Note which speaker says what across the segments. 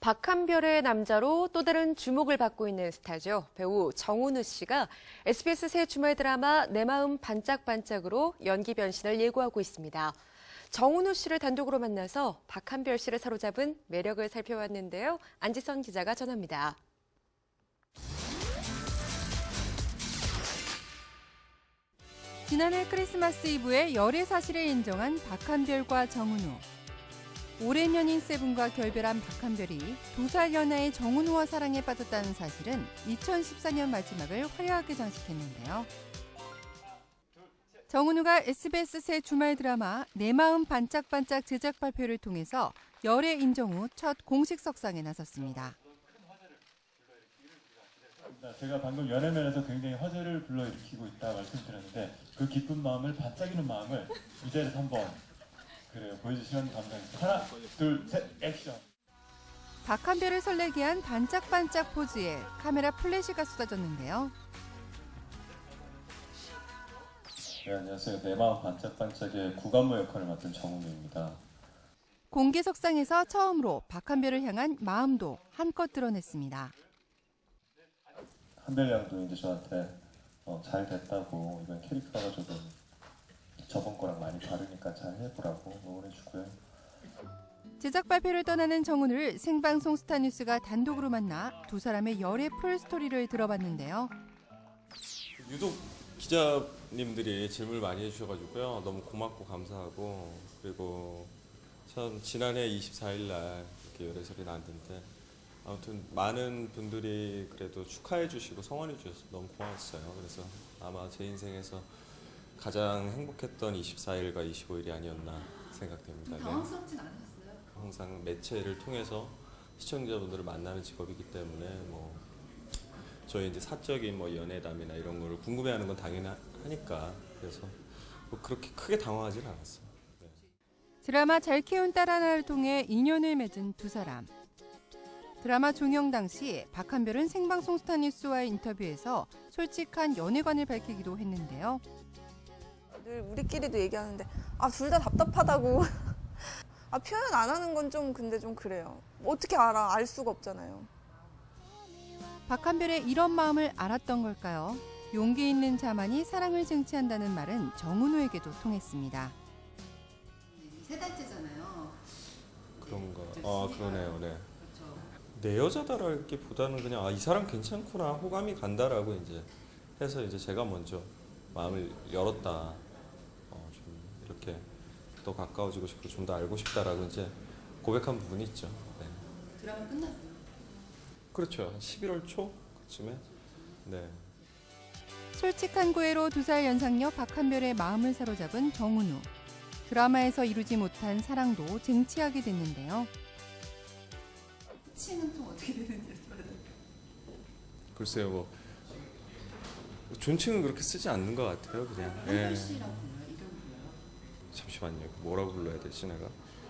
Speaker 1: 박한별의 남자로 또 다른 주목을 받고 있는 스타죠. 배우 정은우 씨가 SBS 새 주말 드라마 내 마음 반짝반짝으로 연기 변신을 예고하고 있습니다. 정은우 씨를 단독으로 만나서 박한별 씨를 사로잡은 매력을 살펴봤는데요. 안지선 기자가 전합니다.
Speaker 2: 지난해 크리스마스 이브에 열애 사실을 인정한 박한별과 정은우. 오랜 연인 세븐과 결별한 박한별이 2살 연하의 정은우와 사랑에 빠졌다는 사실은 2014년 마지막을 화려하게 장식했는데요. 정은우가 SBS 새 주말 드라마 내 마음 반짝반짝 제작 발표를 통해서 열애 인정 후 첫 공식 석상에 나섰습니다.
Speaker 3: 제가 방금 연예면에서 굉장히 화제를 불러일으키고 있다 말씀드렸는데 그 기쁜 마음을 반짝이는 마음을 이 자리에서 한번 보여주시면 감사하겠습니다. 하나, 둘, 셋, 액션!
Speaker 2: 박한별을 설레게 한 반짝반짝 포즈에 카메라 플래시가 쏟아졌는데요.
Speaker 3: 네, 안녕하세요. 내 마음 반짝반짝의 구간모 역할을 맡은 정은우입니다.
Speaker 2: 공개 석상에서 처음으로 박한별을 향한 마음도 한껏 드러냈습니다.
Speaker 3: 한별 양도 이제 저한테 잘 됐다고 이번 캐릭터가 조금 저번 거랑 많이 다르니까 잘 해보라고 응원해주고요.
Speaker 2: 제작 발표를 떠나는 정은우를 생방송 스타뉴스가 단독으로 만나 두 사람의 열애 풀스토리를 들어봤는데요.
Speaker 4: 유독 기자님들이 질문을 많이 해주셔가지고요. 너무 고맙고 감사하고, 그리고 참 지난해 24일 날 이렇게 열애설이 났는데 아무튼 많은 분들이 그래도 축하해 주시고 성원해 주셔서 너무 고마웠어요. 그래서 아마 제 인생에서 가장 행복했던 24일과 25일이 아니었나 생각됩니다.
Speaker 2: 당황스럽진 않으셨어요?
Speaker 4: 항상 매체를 통해서 시청자분들을 만나는 직업이기 때문에 저희 이제 사적인 연애담이나 이런 거를 궁금해하는 건 당연히 하니까 그래서 그렇게 크게 당황하지는 않았어요. 네.
Speaker 2: 드라마 잘 키운 딸 하나를 통해 인연을 맺은 두 사람. 드라마 종영 당시 박한별은 생방송 스타뉴스와의 인터뷰에서 솔직한 연애관을 밝히기도 했는데요.
Speaker 5: 늘 우리끼리도 얘기하는데 둘 다 답답하다고. 표현 안 하는 건 좀 근데 좀 그래요. 어떻게 알아? 알 수가 없잖아요.
Speaker 2: 박한별의 이런 마음을 알았던 걸까요? 용기 있는 자만이 사랑을 쟁취한다는 말은 정은우에게도 통했습니다.
Speaker 6: 세 달째잖아요.
Speaker 4: 그런가? 그러네요. 네. 내 여자다라기보다는 그냥 이 사람 괜찮구나, 호감이 간다라고 이제 해서 이제 제가 먼저 마음을 열었다. 좀 이렇게 더 가까워지고 싶고 좀 더 알고 싶다라고 이제 고백한 부분이 있죠. 네.
Speaker 6: 드라마 끝났어요.
Speaker 4: 그렇죠. 한 11월 초 그쯤에. 네.
Speaker 2: 솔직한 구애로 2살 연상녀 박한별의 마음을 사로잡은 정은우. 드라마에서 이루지 못한 사랑도 쟁취하게 됐는데요.
Speaker 6: 호칭은 좀 어떻게 되는지 여쭤봐도
Speaker 4: 글쎄요, 존칭은 그렇게 쓰지 않는 것 같아요, 그냥.
Speaker 6: 한별 씨라고 불러요? 이름 불러요?
Speaker 4: 잠시만요. 뭐라고 불러야 되지, 내가?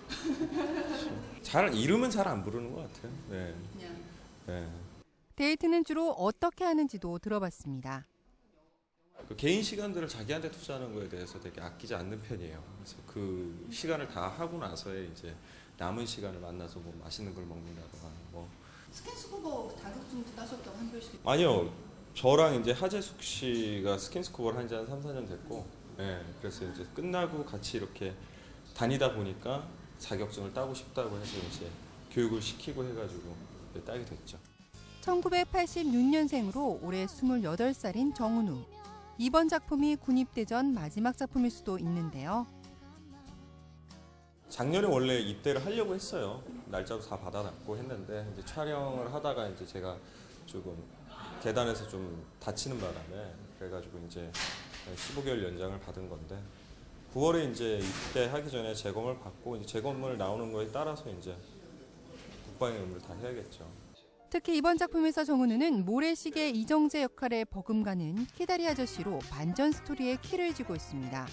Speaker 4: 이름은 잘 안 부르는 것 같아요. 네.
Speaker 6: 그냥
Speaker 4: 네.
Speaker 2: 데이트는 주로 어떻게 하는지도 들어봤습니다.
Speaker 4: 그 개인 시간들을 자기한테 투자하는 거에 대해서 되게 아끼지 않는 편이에요. 그래서 그 시간을 다 하고 나서에 이제 남은 시간을 만나서 맛있는 걸 먹는다거나
Speaker 6: 스킨스쿠버 자격증도 따셨다고 한별 씨.
Speaker 4: 아니요. 저랑 이제 하재숙 씨가 스킨스쿠버를 한 지 한 3, 4년 됐고, 네, 그래서 이제 끝나고 같이 이렇게 다니다 보니까 자격증을 따고 싶다고 해서 이제 교육을 시키고 해가지고 따게 됐죠.
Speaker 2: 1986년생으로 올해 28살인 정은우. 이번 작품이 군입대 전 마지막 작품일 수도 있는데요.
Speaker 4: 작년에 원래 입대를 하려고 했어요. 날짜도 다 받아놨고 했는데 이제 촬영을 하다가 이제 제가 조금 계단에서 좀 다치는 바람에 그래가지고 이제 15개월 연장을 받은 건데 9월에 이제 입대하기 전에 재검을 받고 이제 재검을 나오는 거에 따라서 이제 국방의 의무를 다 해야겠죠.
Speaker 2: 특히 이번 작품에서 정은우는 모래시계 이정재 역할에 버금가는 키다리 아저씨로 반전 스토리의 키를 쥐고 있습니다.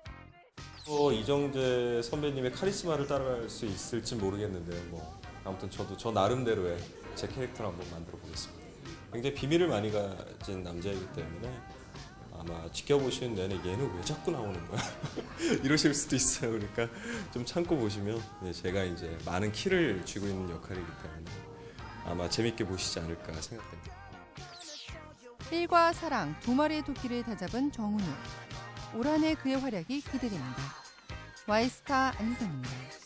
Speaker 4: 이정재 선배님의 카리스마를 따라갈 수 있을지 모르겠는데요. 아무튼 저도 저 나름대로의 제 캐릭터를 한번 만들어 보겠습니다. 굉장히 비밀을 많이 가진 남자이기 때문에 아마 지켜보시는 내내 얘는 왜 자꾸 나오는 거야? 이러실 수도 있어요. 그러니까 좀 참고 보시면 제가 이제 많은 키를 쥐고 있는 역할이기 때문에 아마 재밌게 보시지 않을까 생각됩니다.
Speaker 2: 필과 사랑 두 마리의 토끼를 다잡은 정은우. 올 한 해 그의 활약이 기대됩니다. 와이스타 안희성입니다.